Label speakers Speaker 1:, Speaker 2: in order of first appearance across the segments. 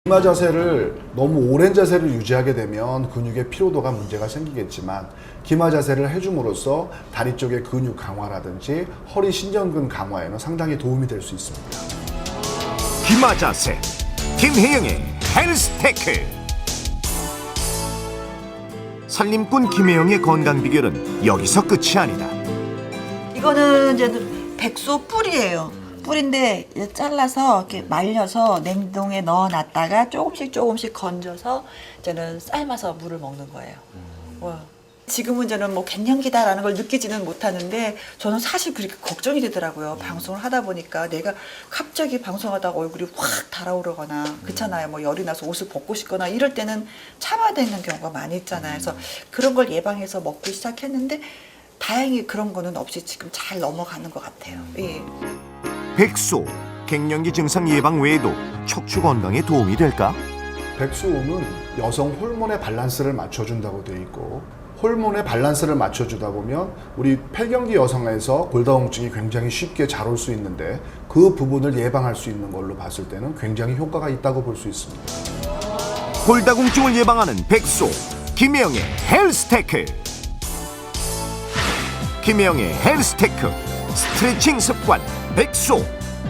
Speaker 1: 기마 자세를 너무 오랜 자세를 유지하게 되면 근육의 피로도가 문제가 생기겠지만 기마 자세를 해줌으로써 다리 쪽의 근육 강화라든지 허리 신전근 강화에는 상당히 도움이 될 수 있습니다.
Speaker 2: 기마 자세 김혜영의 헬스테크. 살림꾼 김혜영의 건강 비결은 여기서 끝이 아니다.
Speaker 3: 이거는 이제 백소 뿔이에요. 뿔인데 잘라서 이렇게 말려서 냉동에 넣어놨다가 조금씩 건져서 이제는 삶아서 물을 먹는 거예요. 와. 지금은 저는 뭐 갱년기다라는 걸 느끼지는 못하는데 저는 사실 그렇게 걱정이 되더라고요. 방송을 하다 보니까 내가 갑자기 방송하다가 얼굴이 확 달아오르거나 그렇잖아요. 뭐 열이 나서 옷을 벗고 싶거나 이럴 때는 참아야 되는 경우가 많이 있잖아요. 그래서 그런 걸 예방해서 먹기 시작했는데 다행히 그런 거는 없이 지금 잘 넘어가는 것 같아요. 예.
Speaker 2: 백소, 갱년기 증상 예방 외에도 척추 건강에 도움이 될까?
Speaker 1: 백수음은 여성 호르몬의 밸런스를 맞춰준다고 되어 있고 호르몬의 밸런스를 맞춰주다 보면 우리 폐경기 여성에서 골다공증이 굉장히 쉽게 잘 올 수 있는데 그 부분을 예방할 수 있는 걸로 봤을 때는 굉장히 효과가 있다고 볼 수 있습니다.
Speaker 2: 골다공증을 예방하는 백소, 김혜영의 헬스테크. 김혜영의 헬스테크, 스트레칭 습관, 백소.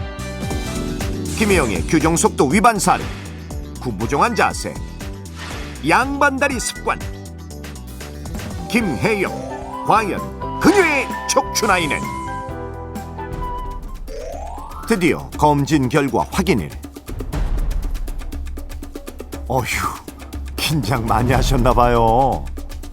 Speaker 2: 김혜영의 규정 속도 위반 사례, 구부정한 자세, 양반다리 습관. 김혜영, 과연 그녀의 척추 나이는? 드디어 검진 결과 확인일. 어휴, 긴장 많이 하셨나 봐요.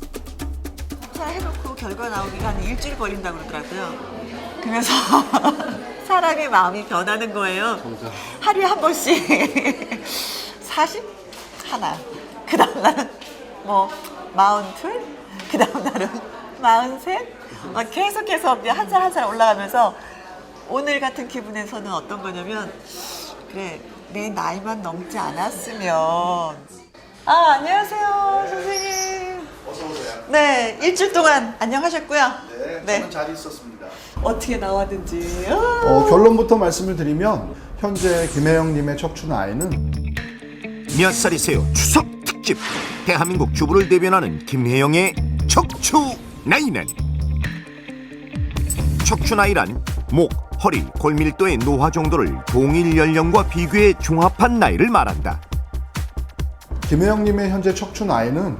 Speaker 3: 해놓고 결과 나오기가 한 일주일 걸린다고 그러더라고요. 그래서 사람의 마음이 변하는 거예요. 하루에 한 번씩 40 하나, 그 다음 날은 뭐 42, 그 다음 날은 43, 계속해서 한 살 한 살 올라가면서 오늘 같은 기분에서는 어떤 거냐면 그래 내 나이만 넘지 않았으면. 안녕하세요 선생님.
Speaker 1: 어서 오세요.
Speaker 3: 네, 일주일 동안 안녕하셨고요.
Speaker 1: 네, 저는 잘 있었습니다.
Speaker 3: 어떻게 나왔는지.
Speaker 1: 결론부터 말씀을 드리면 현재 김혜영님의 척추 나이는
Speaker 2: 몇 살이세요? 추석 특집. 대한민국 주부를 대변하는 김혜영의 척추 나이는? 척추 나이란 목, 허리, 골밀도의 노화 정도를 동일 연령과 비교해 종합한 나이를 말한다.
Speaker 1: 김혜영님의 현재 척추 나이는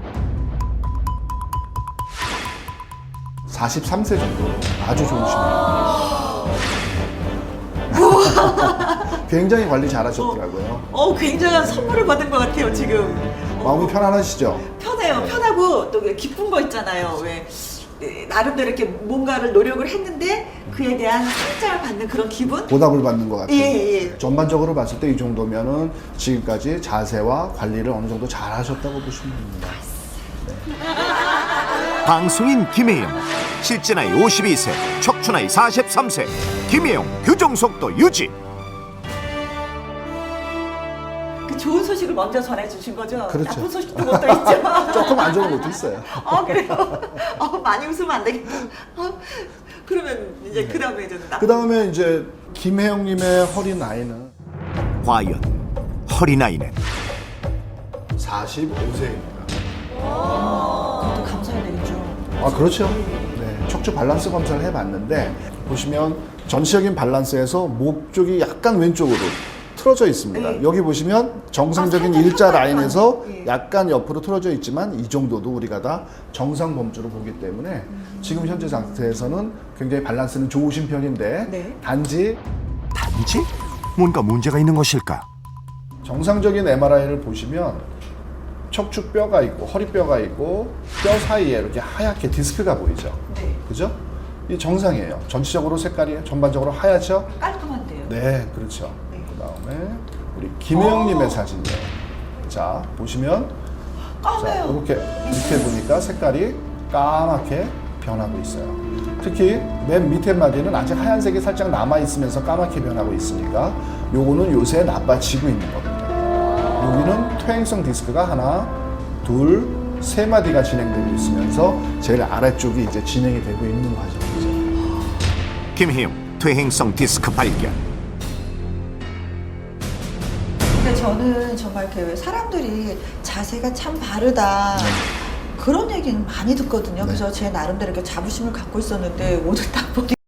Speaker 1: 43세 정도. 아주 좋으십니다. 굉장히 관리 잘하셨더라고요.
Speaker 3: 굉장한 선물을 받은 것 같아요 지금.
Speaker 1: 마음이 편안하시죠?
Speaker 3: 편해요. 편하고 또 기쁜 거 있잖아요. 왜 나름대로 이렇게 뭔가를 노력을 했는데 그에 대한 상장을 받는 그런 기분?
Speaker 1: 보답을 받는 것 같아요.
Speaker 3: 예.
Speaker 1: 전반적으로 봤을 때 이 정도면은 지금까지 자세와 관리를 어느 정도 잘 하셨다고 보시면 됩니다.
Speaker 2: 방송인 김혜영, 실제 나이 52세, 척추 나이 43세. 김혜영 규정 속도 유지.
Speaker 3: 그 좋은 소식을 먼저 전해주신 거죠?
Speaker 1: 그렇죠.
Speaker 3: 나쁜 소식도 못 있죠?
Speaker 1: 조금 안 좋은 것도 있어요.
Speaker 3: 그래요? 많이 웃으면 안 되겠다. 그러면 이제 그 다음에 이제
Speaker 1: 그 다음에 이제 김혜영님의 허리 나이는
Speaker 2: 과연 허리 나이는?
Speaker 1: 45세입니다.
Speaker 3: 그것도 감사해야 되겠죠.
Speaker 1: 그렇죠. 네, 척추 밸런스 검사를 해봤는데 보시면 전체적인 밸런스에서 목 쪽이 약간 왼쪽으로 틀어져 있습니다.
Speaker 3: 네.
Speaker 1: 여기 보시면 정상적인
Speaker 3: 살짝
Speaker 1: 일자
Speaker 3: 펴서
Speaker 1: 라인에서
Speaker 3: 예.
Speaker 1: 약간 옆으로 틀어져 있지만 이 정도도 우리가 다 정상 범주로 보기 때문에 지금 현재 상태에서는 굉장히 밸런스는 좋으신 편인데
Speaker 3: 네.
Speaker 1: 단지
Speaker 2: 단지? 뭔가 문제가 있는 것일까?
Speaker 1: 정상적인 MRI를 보시면 척추뼈가 있고 허리뼈가 있고 뼈 사이에 이렇게 하얗게 디스크가 보이죠.
Speaker 3: 네.
Speaker 1: 그죠? 이 정상이에요. 전체적으로 색깔이 전반적으로 하얗죠?
Speaker 3: 깔끔한데요.
Speaker 1: 네, 그렇죠.
Speaker 3: 네.
Speaker 1: 그다음에 우리 김혜영님의 사진이에요. 자, 보시면
Speaker 3: 까매요.
Speaker 1: 이렇게 보니까 색깔이 까맣게 변하고 있어요. 특히 맨 밑에 마디는 아직 하얀색이 살짝 남아 있으면서 까맣게 변하고 있으니까 요거는 요새 나빠지고 있는 겁니다. 여기는 퇴행성 디스크가 하나, 둘, 세 마디가 진행되고 있으면서 제일 아래쪽이 이제 진행이 되고 있는 과정이죠.
Speaker 2: 김혜영 퇴행성 디스크 발견.
Speaker 3: 근데 저는 정말 그 사람들이 자세가 참 바르다. 그런 얘기는 많이 듣거든요. 그래서 제 나름대로 이렇게 자부심을 갖고 있었는데 오늘 딱 보니